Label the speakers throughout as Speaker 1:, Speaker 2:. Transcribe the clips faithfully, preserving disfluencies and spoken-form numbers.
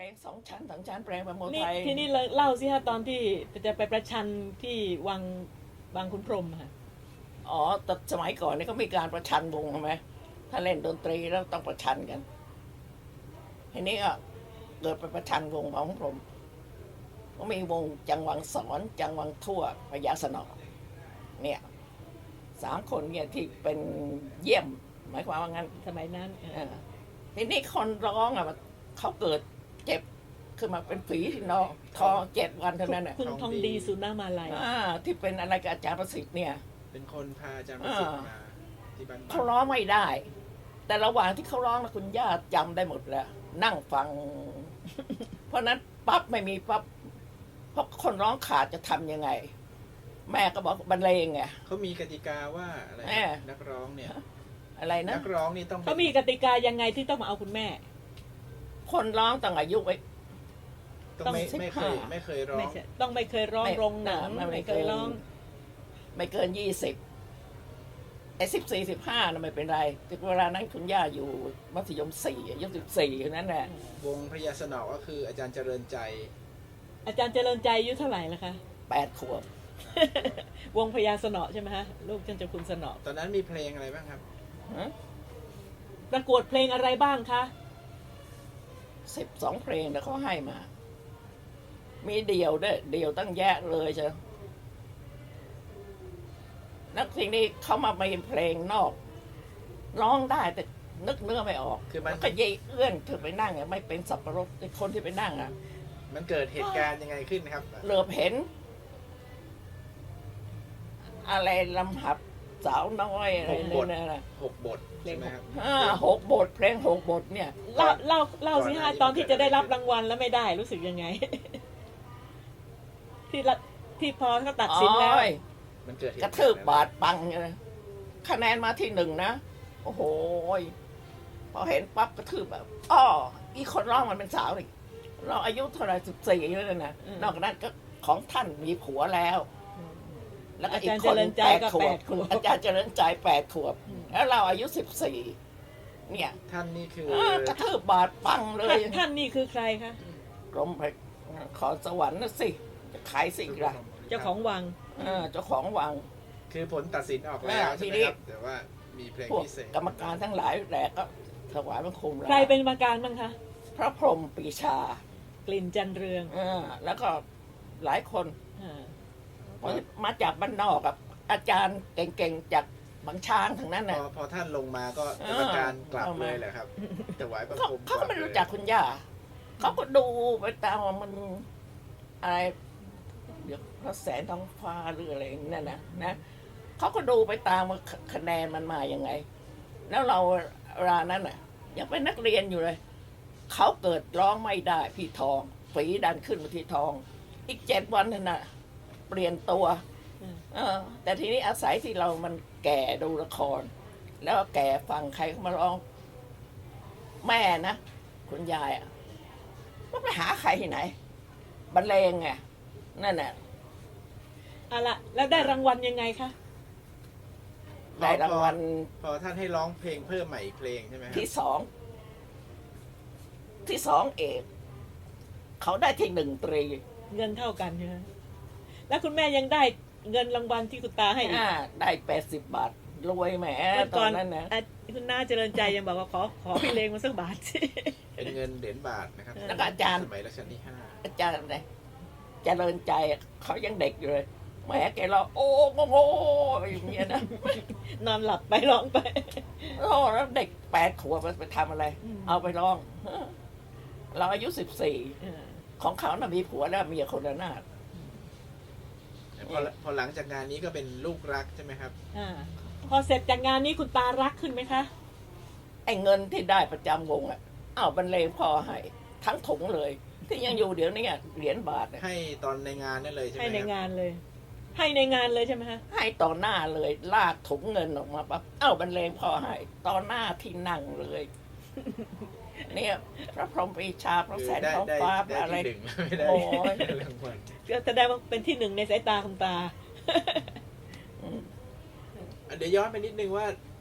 Speaker 1: สองชั้นสองชั้นแปลงประโม
Speaker 2: นี่
Speaker 1: ไทย
Speaker 2: ที่นี่เลยเล่าสิฮะตอนที่จะไปประชันที่วังบางขุนพรหมค่ะ
Speaker 1: อ๋อแต่สมัยก่อนนี่เขามีการประชันวงใช่ไหมถ้าเล่นดนตรีแล้วต้องประชันกันทีนี้ก็เกิดไปประชันวงของผมก็มีวงจังหวังสอนจังหวังทั่วพญาสนอเนี่ยสามคนเนี่ยที่เป็นเยี่ยมหมายความว่างั้น
Speaker 2: สมัยนั้น
Speaker 1: เออทีนี้คนร้องอ่ะมันเขาเกิดเจ็บขึ้นมาเป็นฝีที่นองทอเจ็ดวันเท่านั้นน่ะ
Speaker 2: คุณทองดีสุนามาลัย
Speaker 1: อ่าที่เป็นอะไรกับอาจารย์ประสิทธิ์เนี่ย
Speaker 3: เป็นคนพาอาจารย์ประสิทธิ์มาที่บ้าน
Speaker 1: เขาร้องไม่ได้ แต่ระหว่างที่เขาร้องนะคุณย่าจำได้หมดแล้ว นั่งฟัง เพราะนั้นปั๊บไม่มีปั๊บเพราะคนร้องขาดจะทำยังไง แม่ก็บอกบรรเลงไง
Speaker 3: เขามีกติกาว่าอะไร
Speaker 1: แม่
Speaker 3: นักร้องเนี่ย
Speaker 1: อะไรนะ
Speaker 3: นักร้องนี่ต้อง
Speaker 2: เขามีกติกายังไงที่ต้องมาเอาคุณแม่
Speaker 1: คนร้องต้องอายุไว้
Speaker 3: ต้องไม่
Speaker 1: ต้อง
Speaker 3: ไม่เคย
Speaker 1: สิบห้า
Speaker 3: ไม่เคยร้อ
Speaker 2: ไม่
Speaker 3: ง
Speaker 2: ใช่ต้องไม่เคยร้อง
Speaker 1: ไม่
Speaker 2: โรงหนัง
Speaker 1: ไม่
Speaker 2: ไม่
Speaker 1: เค
Speaker 2: เค
Speaker 1: ย
Speaker 2: ยร้อง
Speaker 1: ไม่เกินยี่สิบไอ้สิบสี่สิบห้าน่ะไม่เป็นไรแต่เวลานั้นคุณย่าอยู่มัธยมสี่อายุสิบสี่นั่นแหละ
Speaker 3: วงพระยาสนอก็คืออาจารย์เจริญใจ
Speaker 2: อาจารย์เจริญใจอายุเท่าไหร่ละคะ
Speaker 1: แปดขวบ
Speaker 2: วงพญาสนอใช่ไหมฮะลูกท่านเจ้าคุณสนอ
Speaker 3: ตอนนั้นมีเพลงอะไรบ้างครับ
Speaker 2: ประกวดเพลงอะไรบ้างคะ
Speaker 1: สิบสองเพลงแล้วเขาให้มา มีเดี่ยวด้วยเดี่ยวตั้งแยะเลยใช่นักทีนี้เขามามีเพลงนอก ร้องได้แต่นึกเนื้อไม่ออก
Speaker 3: คือมัน
Speaker 1: แล้วก็เยเอื้อนเธอไปนั่งอะไม่เป็นสับปะรดไอ้คนที่ไปนั่งอะ
Speaker 3: มันเกิดเหตุการณ์ยังไงขึ้นครับ
Speaker 1: เหลือบเห็น อะไรลำหับสาวน้อยอะไร
Speaker 3: หกบท
Speaker 1: เนี่ยนะ
Speaker 3: หกบทใช่ไหมครับ
Speaker 1: อ่าหกบทเพลงหกบทเนี่ย
Speaker 2: เล่าเล่าเล่าสิ
Speaker 3: ก่อนหน้า
Speaker 2: ฮะ
Speaker 3: นี้
Speaker 2: ตอนที่
Speaker 3: มันเกิ
Speaker 2: จะ
Speaker 3: ด
Speaker 2: ได้รับ
Speaker 3: อะไรขึ้น
Speaker 2: รางวัลแล้วไม่ได้รู้สึกยังไง ที่ละที่พอเขาตัด
Speaker 1: อ๋
Speaker 2: สินแล้ว
Speaker 1: อย
Speaker 3: มันเกิดเหตุ
Speaker 1: ก
Speaker 3: การ
Speaker 1: ระ
Speaker 3: ณ์
Speaker 1: ทืบบาดปังเลยคะแนนมาที่หนึ่งนะ โอ้โหยพอเห็นปั๊บกระทืบแบบอ้ออีคนร้องมันเป็นสาวเลยเราอายุเท่าไหรสิบสี่แล้วนะ
Speaker 2: อืม
Speaker 1: นอกจากนั้นก็ของท่านมีผัวแล้ว แล้วก็อีก
Speaker 2: อาจารย์
Speaker 1: คน
Speaker 2: เจริญใจ
Speaker 1: แปด
Speaker 2: ก็
Speaker 1: ขว
Speaker 2: แป
Speaker 1: บ
Speaker 2: ดขวบ
Speaker 1: อาจารย์เจริญใจแปดขวบ แล้วเราอายุสิบสี่เนี่ย
Speaker 3: ท่านนี่คือ
Speaker 1: เออกระทืบบาดปังเลย
Speaker 2: ท่านท่านนี่คือใครคะ
Speaker 1: กรมไปขอสวรรค์นะสิจะขายสิ่งละ
Speaker 2: เจ้าของวัง
Speaker 1: เออเจ้าของวัง
Speaker 3: คือผลตัดสินออกแล้ว
Speaker 1: อ่า
Speaker 3: ใช่ไหม
Speaker 1: ทีนี้
Speaker 3: ครับแต่ว่ามีเพลง
Speaker 1: พวก
Speaker 3: พิเศษ
Speaker 1: กรรมการทั้งหลายแหละก็ถวายบังคมลา
Speaker 2: ใครเป็นกรรมการบ้างคะ
Speaker 1: พระพรหมปรีชาก
Speaker 2: ลิ่นจันเรือง
Speaker 1: เออแล้วก็หลายคน
Speaker 2: อ่า
Speaker 1: มาจากบ้านนอกกับอาจารย์เก่งๆจากบางช้างทั้งนั้น
Speaker 3: พ
Speaker 1: น่ะ
Speaker 3: อพอท่านลงมาก็
Speaker 1: เอ
Speaker 3: กร
Speaker 1: อ
Speaker 3: รมการกลับ
Speaker 1: เอามา
Speaker 3: เลยแหละครับถวายบัง
Speaker 1: เขา
Speaker 3: คม
Speaker 1: เขาก็ไม่
Speaker 3: ลับ
Speaker 1: รู้
Speaker 3: ลย
Speaker 1: จักคุณย่าเขาก็ดูไปตามว่ามันอะไรเดี๋ยวพระแสงท้องฟ้าหรืออะไรนั่นนะนะเขาก็ดูไปตามว่าคะแนนมันมายังไง แล้วเราเวลานั้นน่ะยังเป็นนักเรียนอยู่เลย เขาเกิดร้องไม่ได้พี่ทองฝีดันขึ้นมาที่ทอง อีกเจ็ดวันนั่นน่ะ เปลี่ยนตัว
Speaker 2: อืม
Speaker 1: เออ แต่ทีนี้อาศัยที่เรามันแก่ดูละคร แล้วก็แก่ฟังใครเขามาร้อง แม่นะคุณยายอ่ะมันไปหาใครที่ไหนบรรเลงไงนั่นน่ะ
Speaker 2: เอาละแล้วได้รางวัลยังไงคะ
Speaker 1: ได้รางวัล
Speaker 3: พอท่านให้ร้องเพลงเพิ่มใหม่อีกเพลงใช่ไหมครับ
Speaker 1: ที่สอง ที่สองเอก เขาได้ที่หนึ่งตรี
Speaker 2: เงินเท่ากันใช่ไหมแล้วคุณแม่ยังได้เงินรางวัลที่คุณตาให้อีก
Speaker 1: อ่าได้แปดสิบบาท รวยแหม
Speaker 2: วัน
Speaker 1: ต
Speaker 2: ก่
Speaker 1: อ
Speaker 2: อน
Speaker 1: นนั้นนะ
Speaker 2: อ่ะคุณน้าเจริญใจยังบอกว่าขอขอพี่เลงมาสักบาทสิ
Speaker 3: เป็นเงินเหรียญบาทนะครับ
Speaker 1: แล้วก็อาจารย์
Speaker 3: สมัยรัชกาลที่ห้า
Speaker 1: อาจารย์เนี่ยเจริญใจอะเขายังเด็กอยู่เลยแหมแกเราโอ้โงโง่อย่างเงี้ยนะ
Speaker 2: นอนหลับไปร้องไป
Speaker 1: โอ้แล้วเด็กแปดขวบมันไปทำอะไร
Speaker 2: อืม
Speaker 1: เอาไปร้อง เราอายุสิบสี่
Speaker 2: เออ
Speaker 1: ของเขาน่ะมีผัวแล้วเมียคนละนาด
Speaker 3: พอพอหลังจากงานนี้ก็เป็นลูกรักใช่ไหมครับ
Speaker 2: อ่าพอเสร็จจากงานนี้คุณตารักขึ้นไหมคะ
Speaker 1: ไอ้เงินที่ได้ประจำวงอ่ะเอาบรรเลงพ่อให้ทั้งถุงเลย ที่ยังอยู่เดี๋ยวนี้อะเหรียญบาทอะ
Speaker 3: ให้ตอนในงานนั่นเลยใช่ไหม
Speaker 2: ให้ใน
Speaker 3: ครับ
Speaker 2: งานเลย ให้ในงานเลยใช่ไหมคะ
Speaker 1: ให้ต่อหน้าเลยลากถุงเงินออกมาปั๊บเอ้าบรรเลงพ่อให้ต่อหน้าที่นั่งเลย เนี่ยพระพรหมปรีชาพระ
Speaker 3: คือ
Speaker 1: แสง
Speaker 3: ได้
Speaker 1: ท้อง
Speaker 3: ได้
Speaker 1: ฟ้า
Speaker 3: ได้
Speaker 1: อะไร
Speaker 3: ที่หนึ่งไม่ได้
Speaker 1: โอ้ย
Speaker 3: รางวัล
Speaker 2: ก็แสดงว่าเป็นที่หนึ่งในสายตาคุณตา
Speaker 3: เดี๋ยวย้อนไปนิดนึงว่า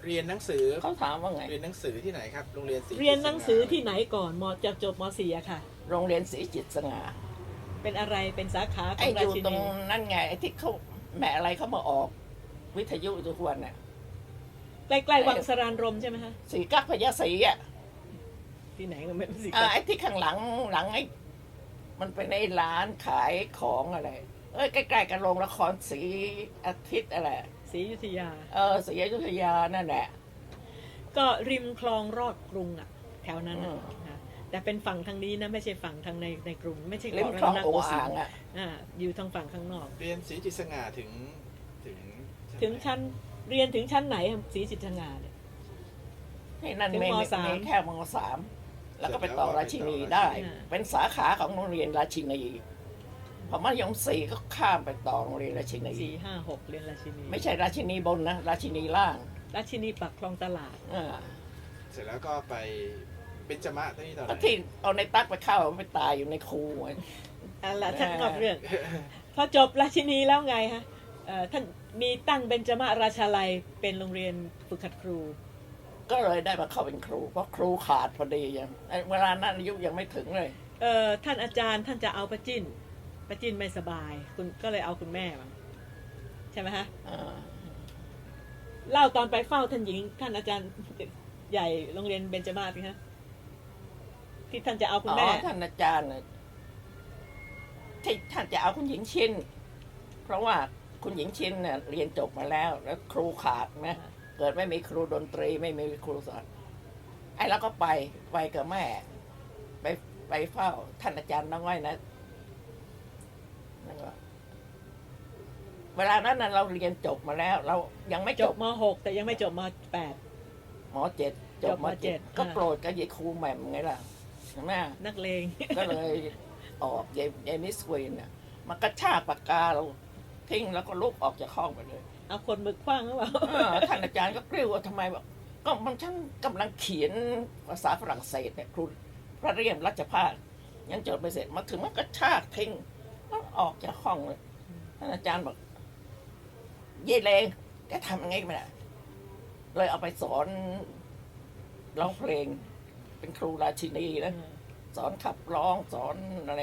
Speaker 3: เรียนหนังสือ
Speaker 1: เขาถามว่าไง
Speaker 3: เรียนหนังสือที่ไหนครับโรงเรียนศรี
Speaker 2: เรียนหนังสือที่ไหนก่อนมจะจบมสี่อะค่ะ
Speaker 1: โรงเรียนศรีจิตสง่า
Speaker 2: เป็นอะไรเป็นสาขาข
Speaker 1: ไอ้
Speaker 2: อง
Speaker 1: อ
Speaker 2: รา
Speaker 1: ยู่
Speaker 2: ชิ
Speaker 1: ตร
Speaker 2: นี
Speaker 1: งนั่นไงไอ้ที่เขาแม่อะไรเขามาออกวิทยุทุกวันน่ะ
Speaker 2: ใกล้ๆวังสรานรมใช่ไหมคะ
Speaker 1: สีกักพญาศรีอ่ะ
Speaker 2: ที่ไหนก็ไม่รู้สิ
Speaker 1: อ่าไอ้ที่ข้างหลังหลังไอ้มันเป็นไอ้ร้านขายของอะไร เอ้ยใกล้ๆกับโรงละครศรีอาทิตย์อะไร
Speaker 2: ศรีอยุธยา
Speaker 1: เออศรีอยุธยานั่นแหละ
Speaker 2: ก็ริมคลองรอดกรุงอะแถวนั้น
Speaker 1: อื
Speaker 2: อะ
Speaker 1: ม
Speaker 2: นะแต่เป็นฝั่งทางนี้นะไม่ใช่ฝั่งทางในในกรุง ไม่ใช่
Speaker 1: ริม
Speaker 2: เกาะ
Speaker 1: คลอง
Speaker 2: รัตน
Speaker 1: โอ
Speaker 2: โกสิน
Speaker 1: อ่าง
Speaker 2: ทร์
Speaker 1: อ่ะ
Speaker 2: อ่าอยู่ทางฝั่งข้างนอก
Speaker 3: เรียนศรีจิตสง่าถึงถึง
Speaker 2: ถึงชั้นเรียนถึงชั้นไหนครับศรีจิตรงาเนี่ย
Speaker 1: ที่นั่น
Speaker 2: ถึง
Speaker 1: ไม่
Speaker 2: ม
Speaker 1: ไม่
Speaker 2: สาม
Speaker 1: ไม่แค่มสามแล้วก็ไปต่อราชินีได้
Speaker 2: อ่า
Speaker 1: เป็นสาขาของโรงเรียนราชินีพอมัธยมสี่ก็ข้ามไปต่อโรงเรียนราชินี
Speaker 2: สี่ห้าหกเรียนราชินี
Speaker 1: ไม่ใช่ราชินีบนนะราชินีล่าง
Speaker 2: ราชินีปักคลองตลาด
Speaker 1: อ่า
Speaker 3: เสร็จแล้วก็ไปเบญจมะที่ตอนไห
Speaker 1: ก็
Speaker 3: น
Speaker 1: ที่เอาในตักไปเข้าไปตายอยู่ในคูไง
Speaker 2: อะละท่าน
Speaker 1: อ่า
Speaker 2: นอกเรื่อง พอจบราชินีแล้วไงฮะเอ่อท่านมีตั้งเบญจมาราชาลัยเป็นโรงเรียนฝึกหัดครู
Speaker 1: ก็เลยได้มาเข้าเป็นครู เพราะครูขาดพอดียังไอ้เวลานั้นอายุยังไม่ถึงเลย
Speaker 2: เอ่อท่านอาจารย์ท่านจะเอาป้าจิ้นป้าจิ้นไม่สบาย คุณก็เลยเอาคุณแม่มาใช่ไหมฮะ
Speaker 1: อ่า
Speaker 2: เล่าตอนไปเฝ้าท่านหญิง ท่านอาจารย์ใหญ่โรงเรียนเบญจมาศนะฮะที่ท่านจะเอาคุณ
Speaker 1: อ๋อ
Speaker 2: แม่
Speaker 1: ท่านอาจารย์น่ะที่ท่านจะเอาคุณหญิงชินเพราะว่าคุณหญิงชินเนี่ยเรียนจบมาแล้ว แล้วครูขาดนะเกิดไม่มีครูดนตรีไม่มีครูสอนไอ้เราก็ไปไปกับแม่ ไปไปเฝ้า ท่านอาจารย์น้อยนะนั่นก็เวลานั้นน่ะเราเรียนจบมาแล้ว เรายังไม่
Speaker 2: จ
Speaker 1: จ
Speaker 2: บบ ม .หก แต่ยังไม่จบม .แปด
Speaker 1: มเจ็ดจบ
Speaker 2: จบ
Speaker 1: ม
Speaker 2: มเจ็
Speaker 1: เจ็
Speaker 2: ด
Speaker 1: ดก็
Speaker 2: อ่า
Speaker 1: โปรดกับยายครูแหม่มไงล่ะใช่ไหม
Speaker 2: นักเลง
Speaker 1: ก็เลยออกยายยายมิสควีนเนี่ยมันกระชากปากกาเราทิ้งแล้วก็ลุกออกจากห้องไปเลย
Speaker 2: เอาคนมือคว้างหรือเปล่า
Speaker 1: เออท่านอาจารย์ก็กริ้วว่าทำไมบอกก็มันฉันกำลังเขียนภาษาฝรั่งเศสเนี่ยครูพระเรียมรัชพาสยังจดไม่เสร็จมาถึงมันกระชากทิ้งแล้วออกจากห้องเลยท่านอาจารย์บอกเย่เลงแกทำยังไงก็ไม่ได้เลยเอาไปสอนร้องเพลง เป็นครูราชินีนะสอนขับร้องสอนอะไร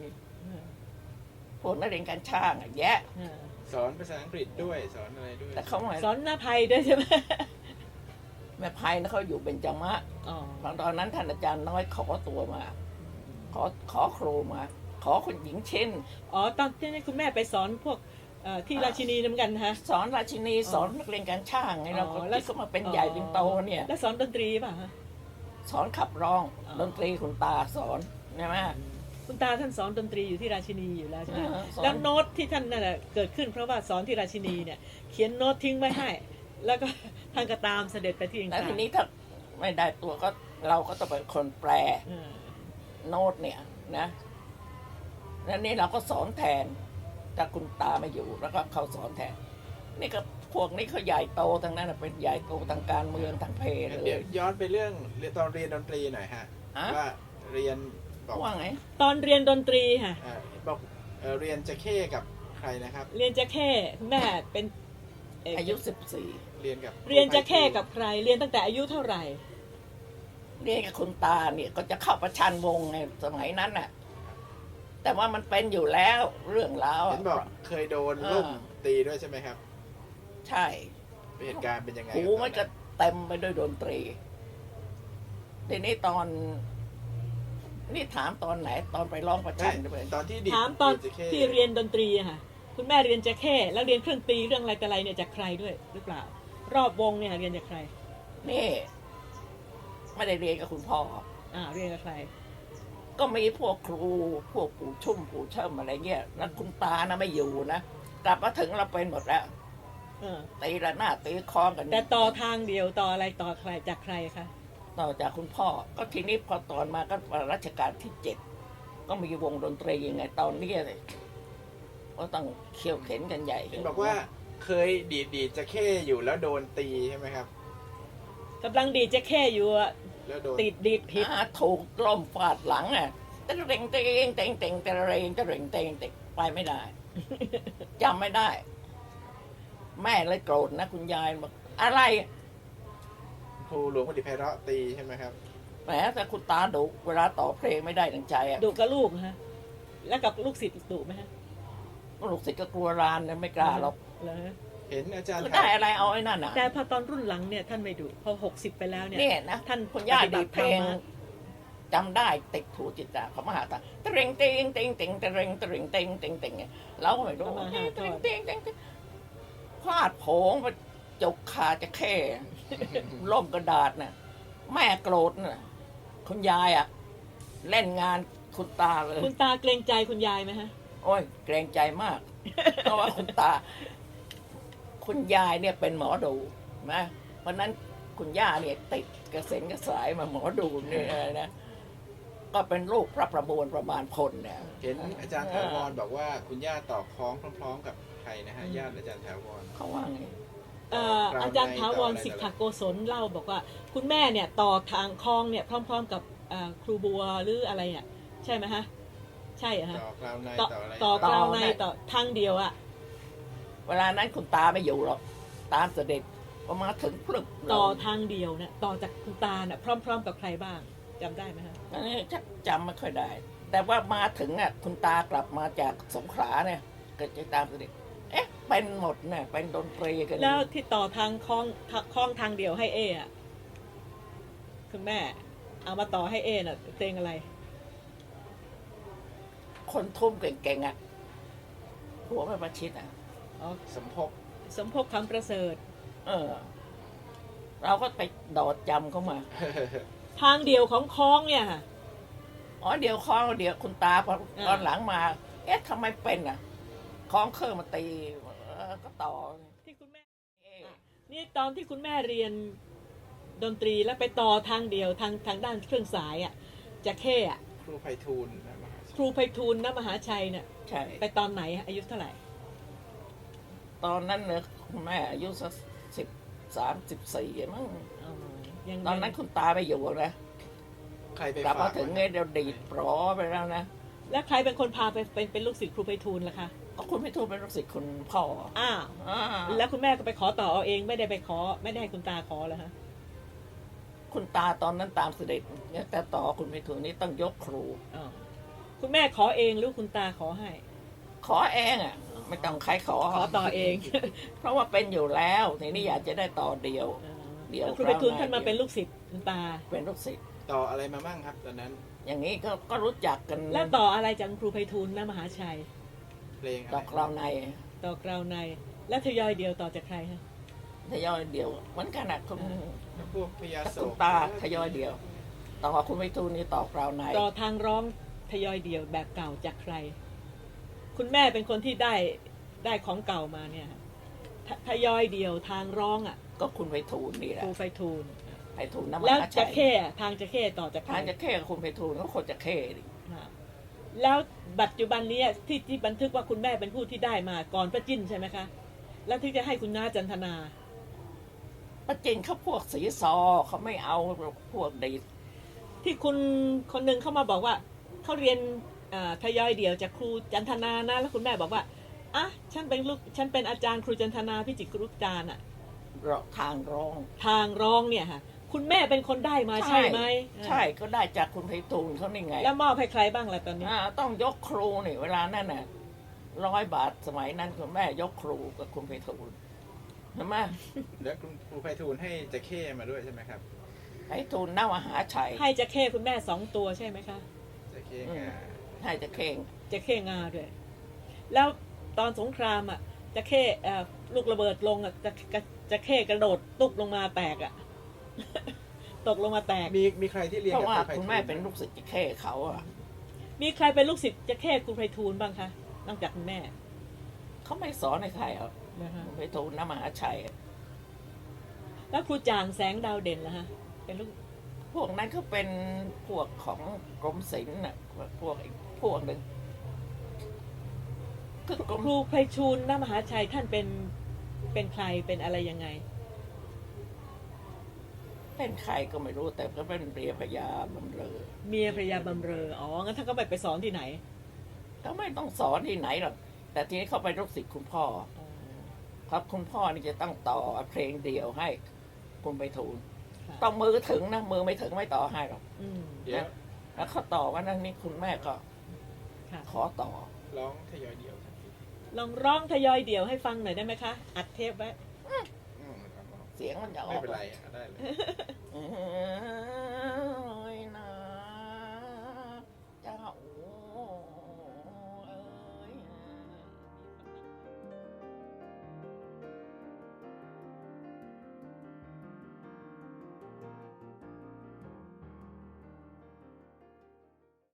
Speaker 1: พวกนักเรียนการช่างอะแยะ
Speaker 3: สอนภาษาอังกฤษด้วยสอนอะไรด้วย
Speaker 1: แต่เขาไม่
Speaker 2: สอนหน้าภัยด้วยใช่ไหม
Speaker 1: แม่ภัยนะเขาอยู่เบญจมะ
Speaker 2: อ๋อ
Speaker 1: ตอนนั้นท่านอาจารย์น้อยขอตัวมา ขอขอครูมา ขอคุณหญิงเช่น
Speaker 2: อ๋อตอนที่คุณแม่ไปสอนพวกเอ่อที่ราชินีเหมือนกันฮะ
Speaker 1: สอนราชินีสอนนักเรียนการช่างไงเราก็
Speaker 2: อ๋อแล้ว
Speaker 1: ที่เขามาเป็นใหญ่เป็นโตเนี่ย
Speaker 2: แล้วสอนดนตรีป่ะฮะ
Speaker 1: สอนขับร้อง
Speaker 2: อ๋อ
Speaker 1: ดนตรีคุณตาสอนใช่ไหม
Speaker 2: คุณตาท่านสอนดนตรีอยู่ที่ราชินีอยู่แล้วใช่ไหม
Speaker 1: อ่าสอน
Speaker 2: แล้วโน้ตที่ท่านนั่นแหละเกิดขึ้นเพราะว่าสอนที่ราชินีเนี่ย เขียนโน้ตทิ้งไว้ให้ แล้วก็ท่านก็ตามเสด็จไปที่อังก
Speaker 1: แล้ว
Speaker 2: ฤษ
Speaker 1: ทีนี้ถ้าไม่ได้ตัวก็เราก็ต้องเป็นคนแปล
Speaker 2: อ่า
Speaker 1: โน้ตเนี่ยนะแล้วนี่เราก็สอนแทนแต่คุณตาไม่อยู่แล้วก็เขาสอนแทน นี่ก็พวกนี้เขาใหญ่โตทั้งนั้นน่ะเป็นใหญ่โตทางการเมืองทางเพศเล
Speaker 3: เดี๋ยวย ย้อนไปเรื่องตอนเรียนดนตรีหน่อยฮะ
Speaker 1: ฮะ
Speaker 3: ว่าเรียนบอก
Speaker 1: ว่าไง
Speaker 2: ตอนเรียนดนตรีค่ะ
Speaker 3: เอ่อบอกเอ่อเรียนจะเข้กับใครนะครับ
Speaker 2: เรียนจะแค่คุณแม่เป็นเ
Speaker 1: อายุสิบสี่
Speaker 3: เรียนกับ
Speaker 2: เรียนจะแค่กับใคร เรียนตั้งแต่อายุเท่าไหร่
Speaker 1: เรียนกับคุณตาเนี่ยก็จะเข้าประชันวงไงสมัยนั้นน่ะ แต่ว่ามันเป็นอยู่แล้วเรื่องราว
Speaker 3: เห็
Speaker 1: อะ
Speaker 3: นบอกเคยโดนล่มตีด้วยใช่ไหมครับ
Speaker 1: ใช่
Speaker 3: เหตุการณ์เป็นยังไง
Speaker 1: หูมันจะเต็มไปด้วยดนตรีทีนี้ตอน นี่ถามตอนไหน ตอนไปร้องประชั
Speaker 3: ใช่
Speaker 1: นด้วย
Speaker 3: ตอนที่ดิด
Speaker 2: ถามตอน
Speaker 3: ดิดจะเข้
Speaker 2: ที่เรียนดนตรีอะค่ะ คุณแม่เรียนจะแค่แล้วเรียนเครื่องตีเรื่องอะไรแต่อะไรเนี่ยจากใครด้วยหรือเปล่า รอบวงเนี่ยเรียนจากใคร
Speaker 1: นี่ไม่ได้เรียนกับคุณพ่อ
Speaker 2: อ่าเรียนกับใคร
Speaker 1: ก็มีพวกครู พวกปู่ชุ่มปู่เชิมอะไรเงี้ยแล้วคุณตานะไม่อยู่นะกลับมาถึงเราเป็นหมดแล้ว
Speaker 2: เออ
Speaker 1: ตีระนาดตีคล้องกัน
Speaker 2: แต่ต่อทางเดียวต่ออะไรต่อใครจากใครคะ
Speaker 1: ต่อจากคุณพ่อ ก็ทีนี้พอตอนมาก็รัชกาลที่เจ็ดก็มีวงดนตรียังไงตอนนี้เลยก็ต้องเขี่ยวเข็นกันใหญ่
Speaker 3: เห็นบอกว่าเคยดีดดีดจะเข้อยู่แล้วโดนตีใช่ไหมครับ
Speaker 2: กำลังดีดจะแค่อยู่อะ
Speaker 3: แล้วโดน
Speaker 2: ติดดีดผิด
Speaker 1: อ่าถูกล่มฟาดหลังอ่ะตะเร่งเตงเตงเตงตะเร่งตะเร่งเตงเตงไปไม่ได้ จำไม่ได้ แม่เลยโกรธนะคุณยายบอกอะไร
Speaker 3: ครูหลวงประดิษฐ์ไพเราะตีใช่ไหมครับ
Speaker 1: แหมแต่คุณตาดุเวลาต่อเพลงไม่ได้ดังใจอ่ะ
Speaker 2: ดุกับลูกนะฮะแล้วกับลูกศิษย์ดุไหมฮะ
Speaker 1: ลูกศิษย์ก็กลัวรานเนี่ยไม่กล้าหรอก
Speaker 2: เหรอฮะ
Speaker 3: เห็นอาจารย์
Speaker 1: คือ
Speaker 3: ถา
Speaker 1: ได้
Speaker 3: ม
Speaker 1: อะไรเอาไอ้นั่นน่ะ
Speaker 2: แต่พอตอนรุ่นหลังเนี่ยท่านไม่ดุพอหกสิบไปแล้วเนี่ย
Speaker 1: เนี่ยนะ
Speaker 2: ท่าน
Speaker 1: คุณย่า
Speaker 2: ปฏิบั
Speaker 1: ดี
Speaker 2: ติ
Speaker 1: ดเพลง
Speaker 2: ธรรมะ
Speaker 1: จำได้ติดหูจิตตาเขามาหาตาตะเรงเต็งเต็งเต็งตะเรงตะเรงเต็งเต็งเต็งเราก็ไม่รู้
Speaker 2: เอามาหา
Speaker 1: เต็ง
Speaker 2: ก่อน
Speaker 1: เต็งเต็งเต็งพลาดโผงไปจกขาจะแค่ล่มกระดาษน่ะแม่โกรธน่ะคุณยายอ่ะ เล่นงานคุณตาเลย
Speaker 2: คุณตาเกรงใจคุณยายไหมฮะ
Speaker 1: โอ้ยเกรงใจมาก เพราะว่าคุณตา คุณยายเนี่ยเป็นหมอดูนะเพราะนั้นคุณย่าเนี่ยติดกระเซ็นกระสายมาหมอดูเนี่ยนะก็เป็นลูกพระประมวลประมาณพลเนี่ย
Speaker 3: เห็นอาจารย์ถาวรบอกว่าคุณย่าต่อคล้องพร้อม ๆ กับใครนะฮะญาติอาจารย์ถาวร
Speaker 1: เขาว่าไง
Speaker 2: เอ่ออาจารย์ถาวรสิทธโกศลเล่าบอกว่า คุณแม่เนี่ยต่อทางคลองเนี่ยพร้อม ๆ กับเอ่อครูบัวหรืออะไรเนี่ยใช่ไหมฮะใช่เหรอฮะ
Speaker 3: ต่อกล่าวใน
Speaker 2: ต่อ
Speaker 3: ต่ออะไร
Speaker 2: ต่อกล่าวในต่อทางเดียวอะ
Speaker 1: เวลานั้นคุณตาไม่อยู่หรอกตามเสด็จพอมาถึงพลึบ
Speaker 2: ต่อทางเดียวเนี่ยต่อจากคุณตาเนี่ยพร้อม ๆ กับใครบ้างจำได้ไหมฮะ
Speaker 1: อันนี้ชักจำไม่ค่อยได้ แต่ว่ามาถึงอ่ะคุณตากลับมาจากสงขลาเนี่ยก็จะตามเสด็จเอ๊ะเป็นหมดเนี่ยเป็นดนตรีกัน
Speaker 2: แล้วที่ต่อทางคลองคลองทางเดียวให้เออะคุณแม่ เอามาต่อให้เอน่ะเพลงอะไร
Speaker 1: คนทุ่มเก่งๆอ่ะหัวไม่ประชิดอ่ะ
Speaker 2: อ๋อ
Speaker 3: สมภพ
Speaker 2: สมภพคำประเสริฐ
Speaker 1: เออ เราก็ไปดอดจำเข้ามา
Speaker 2: ทางเดียวของคลองเนี่ยค่ะ
Speaker 1: อ๋อเดี๋ยวคล้องเดี๋ยวคุณตาพอ
Speaker 2: อ่า
Speaker 1: ตอนหลังมา เอ๊ะทำไมเป็นอ่ะคล้องเครื่องมาตีเออก็ต่อ
Speaker 2: ที่คุณแม่
Speaker 1: เอ๊ะ
Speaker 2: นี่ตอนที่คุณแม่เรียนดนตรีแล้วไปต่อทางเดียวทางทางด้านเครื่องสายอ่ะจะเข้อะ
Speaker 3: ครูไพฑูรย์นะมหา
Speaker 2: ครูไพฑูรย์ณมหาชัยเนี่ย
Speaker 1: ใช่
Speaker 2: ไปตอนไหนฮะอายุเท่าไหร่
Speaker 1: ตอนนั้นเนี่ยคุณแม่อายุสักสิบสามสิบสี่มั้ง
Speaker 2: อ๋อยัง
Speaker 1: ตอนนั้นคุณตาไม่อยู่นะ
Speaker 3: ใครไป
Speaker 1: กลับ
Speaker 3: ฝา
Speaker 1: มาถึงเนี่ยเดี๋ยวดีดปลอไปแล้วนะ
Speaker 2: แล้วใครเป็นคนพาไปเป็นเป็นลูกศิษย์ครูไพฑูรย์ล่ะคะ
Speaker 1: ก็คุณพิทูลเป็นลูกศิษย์คุณพ่อ
Speaker 2: อ้าว
Speaker 1: อ่า
Speaker 2: แล้วคุณแม่ก็ไปขอต่อเอาเองไม่ได้ไปขอ ไม่ได้ให้คุณตาขอเหรอฮะ
Speaker 1: คุณตาตอนนั้นตามเสด็จเนี่ยแต่ต่อคุณพิทูลนี่ต้องยกครู
Speaker 2: อ๋อคุณแม่ขอเองหรือคุณตาขอให้
Speaker 1: ขอเองอ่ะ ไม่ต้องใครขอ
Speaker 2: ขอต่อเอง
Speaker 1: เพราะว่าเป็นอยู่แล้วทีนี้อยากจะได้ต่อเดียว เดี๋ยว
Speaker 2: แล้วครูไพฑูรย์ท่านมาเป็นลูกศิษย์คุณตา
Speaker 1: เป็นลูกศิษย์
Speaker 3: ต่ออะไรมามั่งครับตอนนั้น
Speaker 1: อย่างนี้ก็ก็รู้จักกัน
Speaker 2: แล้วต่ออะไรจากครูไพฑูรย์ณมหาชัย
Speaker 3: เพลงอะ
Speaker 1: ด
Speaker 3: ไร
Speaker 1: อกเราใน
Speaker 2: ต่อกราวใน แล้วทยอยเดียวต่อจากใครฮะ
Speaker 1: ทยอยเดียวเหมือนกันนะคุณ
Speaker 3: พวกพญาโศ
Speaker 1: คุณ
Speaker 3: ก
Speaker 1: ตาทยอยเดียว ต่อคุณพิทูลนี่ต่อกราวใน
Speaker 2: ต่อทางร้องทยอยเดียวแบบเก่าจากใคร คุณแม่เป็นคนที่ได้ได้ของเก่ามาเนี่ยฮะททยอยเดียวทางร้องอ่ะ
Speaker 1: ก็คุณไพฑูรย์นี่แห
Speaker 2: ค
Speaker 1: ละ
Speaker 2: รูไพฑูรย์
Speaker 1: ไพฑูรย์น้ำม
Speaker 2: แล้ว
Speaker 1: หา
Speaker 2: จะ
Speaker 1: ชัย
Speaker 2: เข้อะทางจะเข้ต่อจากใคร
Speaker 1: ทางจะเข้กับคุณไพฑูรย์ก็คนจะเข้ดิ
Speaker 2: ฮะแล้วปัจจุบันนี้ที่ที่บันทึกว่าคุณแม่เป็นผู้ที่ได้มาก่อนพระจิ้นใช่ไหมคะ แล้วที่จะให้คุณน้าจันทนา
Speaker 1: ประจินเขาพวกสีซอเขาไม่เอาพวกดีด
Speaker 2: ที่คุณคนหนึ่งเข้ามาบอกว่าเขาเรียนอ่าทยอยเดียวจากครูจันทนานะแล้วคุณแม่บอกว่าอ่ะฉันเป็นลูกฉันเป็นอาจารย์ครูจันทนาพิจิตรกรุจารย์อะ
Speaker 1: ทางร้อง
Speaker 2: ทางร้องเนี่ยค่ะคุณแม่เป็นคนได้มาใช่ไหม
Speaker 1: ใช่ก็ได้จากคุณไพฑูรย์เขานี่ไง
Speaker 2: แล้วมอบให้ใครบ้างล่ะตอนนี้
Speaker 1: อ่าต้องยกครูนี่เวลานั่นน่ะร้อยบาทสมัยนั้นคุณแม่ยกครูกับคุณไพฑูรย์ใช่ไหม
Speaker 3: แล้วคุณครูไพฑูรย์ให้จะเข้มาด้วยใช่ไหมครับ
Speaker 1: ไพฑูรย์น่ามหาชัย
Speaker 2: ให้จะเข้คุณแม่สองตัวใช่ไหมคะ
Speaker 3: จะเข้
Speaker 1: อืม
Speaker 3: งา
Speaker 1: ให้จะเข่ง
Speaker 2: จะเข้งาด้วย แล้วตอนสงครามอ่ะจะเข้เอ่อลูกระเบิดลงอ่ะจะจะจะเข้กระโดดตุบลงมาแตกอ่ะ ตกลงมาแตก
Speaker 3: มีมีใครที่เรียน
Speaker 1: เพ
Speaker 3: กับ
Speaker 1: ราะว่า
Speaker 3: ครูไพฑูรย์
Speaker 1: คุณแม่เป็นลูกศิษย์จะเข้เขาอ่ะ
Speaker 2: มีใครเป็นลูกศิษย์จะเข้ครูไพฑูรย์บ้างคะนอกจากคุณแม่
Speaker 1: เขาไม่สอนให้ใครอ่ะ
Speaker 2: นะคะ
Speaker 1: คุณไพฑูรย์น่ามหาชัย
Speaker 2: แล้วครูจางแสงดาวเด่นล่ะฮะเป็นลูก
Speaker 1: พวกนั้นเขาเป็นพวกของกรมศิลป์น่ะพวกอีกพวกหนึ่งคือกรม
Speaker 2: ครูไพฑูรย์ณมหาชัยท่านเป็นเป็นใครเป็นอะไรยังไง
Speaker 1: เป็นใครก็ไม่รู้แต่ก็เป็นเรียพยาบำเรอ
Speaker 2: เมียภรรยาบำเรออ๋องั้นท่านก็ไปไปสอนที่ไหน
Speaker 1: เขาไม่ต้องสอนที่ไหนหรอกแต่ทีนี้เขาไปลูกศิษย์คุณพ่อ ครับคุณพ่อนี่จะต้องต่อเพลงเดียวให้คุณไพฑูรย์
Speaker 2: ค่ะ
Speaker 1: ต้องมือถึงนะมือไม่ถึงไม่ต่อให้หรอก
Speaker 2: อืม
Speaker 3: เดี๋ยว
Speaker 1: แล้วเขาต่อว่านั่นนี่คุณแม่ก็
Speaker 2: ค่ะ
Speaker 1: ขอต่อ
Speaker 3: ร้องทยอยเดียวครับ
Speaker 2: ลองร้องทยอยเดี่ยวให้ฟังหน่อยได้ไหมคะ อัดเทปไว้
Speaker 3: อืมครับ
Speaker 1: เสียงมันจะอ
Speaker 3: ไม่
Speaker 1: อก
Speaker 3: เป็นไรอ่ะได้เลย
Speaker 1: อืม